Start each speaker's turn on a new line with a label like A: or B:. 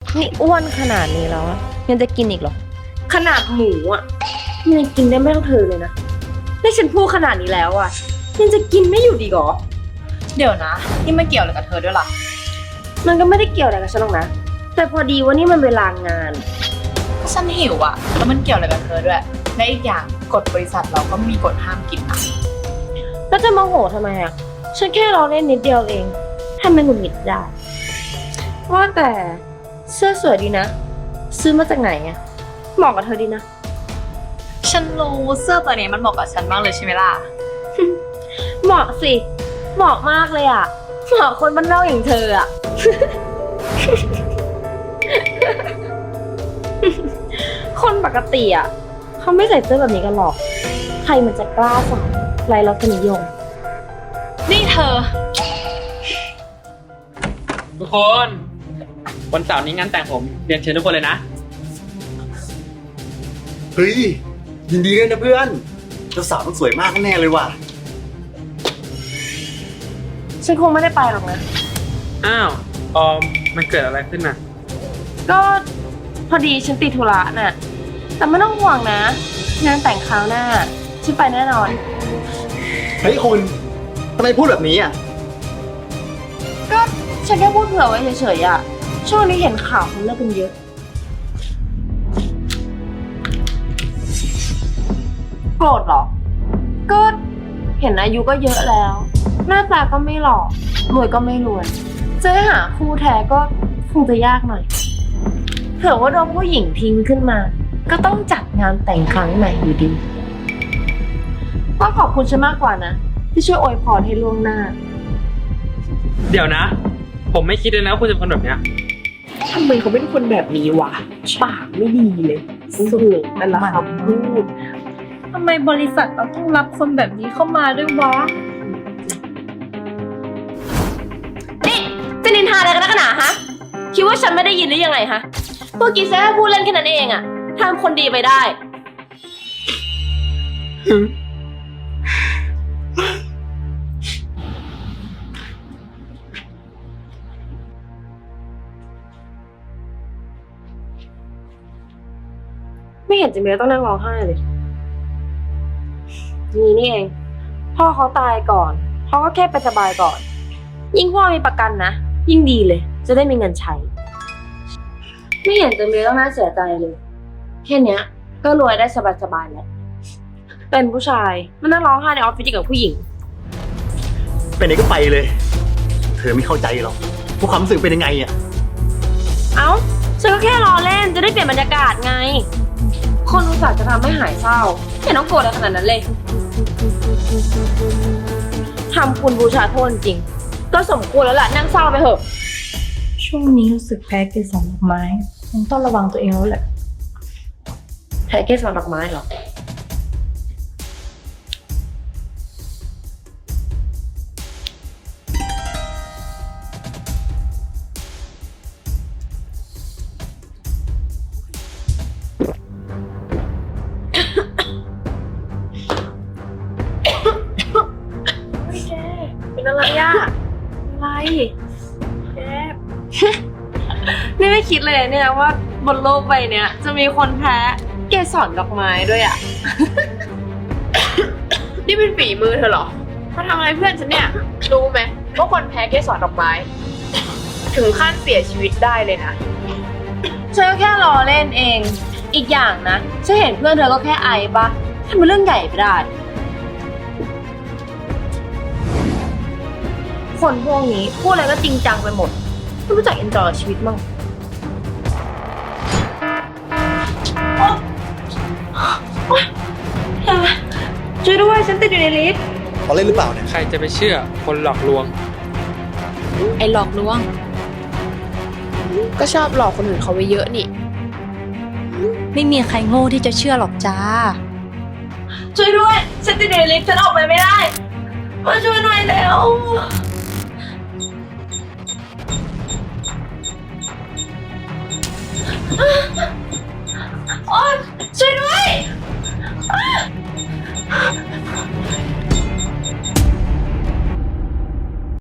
A: นี่อ้วนขนาดนี้แล้วยังจะกินอีกเหรอขนาดหมูยังกินได้ไม่เท่าเธอเลยนะนี่ฉันพูดขนาดนี้แล้วยังจะกินไม่อยู่ดีหรอ
B: เดี๋ยวนะนี่ไม่เกี่ยวอะไรกับเธอด้วยล่ะ
A: มันก็ไม่ได้เกี่ยวอะไรกับฉันหรอกนะแต่พอดีว่านี่มันเวลางาน
B: ฉันหิวแล้วมันเกี่ยวอะไรกับเธอด้วยและอีกอย่างกฎบริษัทเราก็มีกฎห้ามกินนะ
A: แล้วจะมาโหทำไมฉันแค่รอเล่นนิดเดียวเองทำไมหงุดหงิดได้ว่าแต่เสื้อสวยดีนะซื้อมาจากไหนเหมาะกับเธอดีนะ
B: ฉันรู้เสื้อตัวนี้มันเหมาะกับฉันมากเลยใช่ไหมล่ะ
A: เหมาะสิเหมาะมากเลยเหมาะคนบ้านนอกอย่างเธอคนปกติเขาไม่ใส่เสื้อแบบนี้กันหรอกใครมันจะกล้าใส่ไรรสนิยม
B: นี่เธอ
C: ทุกคนวันเสาร์นี้งานแต่งผมเรียนเชิญทุกคนเลยนะ
D: เฮ้ยยินดีด้วยนะเพื่อนเจ้าสาวต้องสวยมากแน่เลยว่ะ
A: ฉันคงไม่ได้ไปหรอกนะ
C: อ้าวออมมันเกิดอะไรขึ้นน่ะ
A: ก็พอดีฉันติดธุระน่ะแต่ไม่ต้องห่วงนะงานแต่งคราวหน้าฉันไปแน่นอน
D: เฮ้ยคุณทำไมพูดแบบนี้
A: ก็ฉันแค่พูดเผื่อไว้เฉยๆช่วงนี้เห็นข่าวคนเลิกกันเยอะโกรธเหรอก็เห็นอายุก็เยอะแล้วหน้าตาก็ไม่หล่อรวยก็ไม่รวยจะให้หาคู่แท้ก็คงจะยากหน่อยเผื่อว่าโดนผู้หญิงทิ้งขึ้นมาก็ต้องจัดงานแต่งครั้งใหม่อยู่ดีก็ขอบคุณฉันมากกว่านะที่ช่วยอวยพรให้ล่วงหน้า
C: เดี๋ยวนะผมไม่คิดเลยนะว่าคุณจะเป็นคนแบบเนี้ย
B: ทำไมเขาเป็นคนแบบนี้วะปากไม่ดีเลยสุดแต่ละคำพูดทำไมบริษัทเราต้องรับคนแบบนี้เข้ามาด้วยวะ
A: นี่จะนินทาอะไรกันนักหนาคิดว่าฉันไม่ได้ยินหรือยังไงเมื่อกี้แค่พูดเล่นแค่นั้นเองทำคนดีไปได้ไม่เห็นจะมีต้องนั่งร้องไห้เลยนี่เองพ่อเขาตายก่อนเขาก็แค่ไปสบายก่อนยิ่งพ่อมีประกันนะยิ่งดีเลยจะได้มีเงินใช้ไม่เห็นจะมีต้องน่าเสียใจเลยแค่เนี้ยก็รวยได้สบายๆแล้วเป็นผู้ชายมันนั่งร้องไห้ในออฟฟิศกับผู้หญิง
D: ไปไหนก็ไปเลยเธอไม่เข้าใจหรอกพวกความรู้สึกเป็นยังไง
A: เอ้าฉันก็แค่รอเล่นจะได้เปลี่ยนบรรยากาศไงคนอุตส่าห์จะทำให้หายเศร้าเห็นน้องโกรธอะไรขนาดนั้นเลยทำคุณบูชาโทษจริงก็สมควรแล้วล่ะนั่งเศร้าไปเถอะ
B: ช่วงนี้รู้สึกแพ้เกสรดอกไม้คงต้องระวังตัวเองแล้วแหละ
A: แพ้เกสรดอกไม้เหรอเป็นอะไรอะไรแกนี่ไม่คิดเลยเนี่ยว่าบนโลกใบเนี้ยจะมีคนแพ้เกสรดอกไม้ด้วย
B: นี่เป็นฝีมือเธอเหรอมาทำอะไรเพื่อนฉันเนี่ยรู้ไหมว่าคนแพ้เกสรดอกไม้ถึงขั้นเสียชีวิตได้เลยนะ
A: ฉันก็แค่รอเล่นเองอีกอย่างนะฉันเห็นเพื่อนเธอก็แค่ไอปะทำเป็นเรื่องใหญ่ไปได้คนพวกนี้พูดอะไรก็จริงจังไปหมดไม่รู้จักเอนจอยชีวิตมั่งช่วยด้วยฉันติดอยู่ในลิฟต์
D: เขาเล่นหรือเปล่าเนี่ย
C: ใครจะไปเชื่อคนหลอกลวง
B: ไอ้หลอกลวงก็ชอบหลอกคนอื่นเขาไว้เยอะนี่ไม่มีใครโง่ที่จะเชื่อหรอกจ้า
A: ช่วยด้วยฉันติดอยู่ในลิฟต์ฉันออกไปไม่ได้มาช่วยหน่อยแล้ว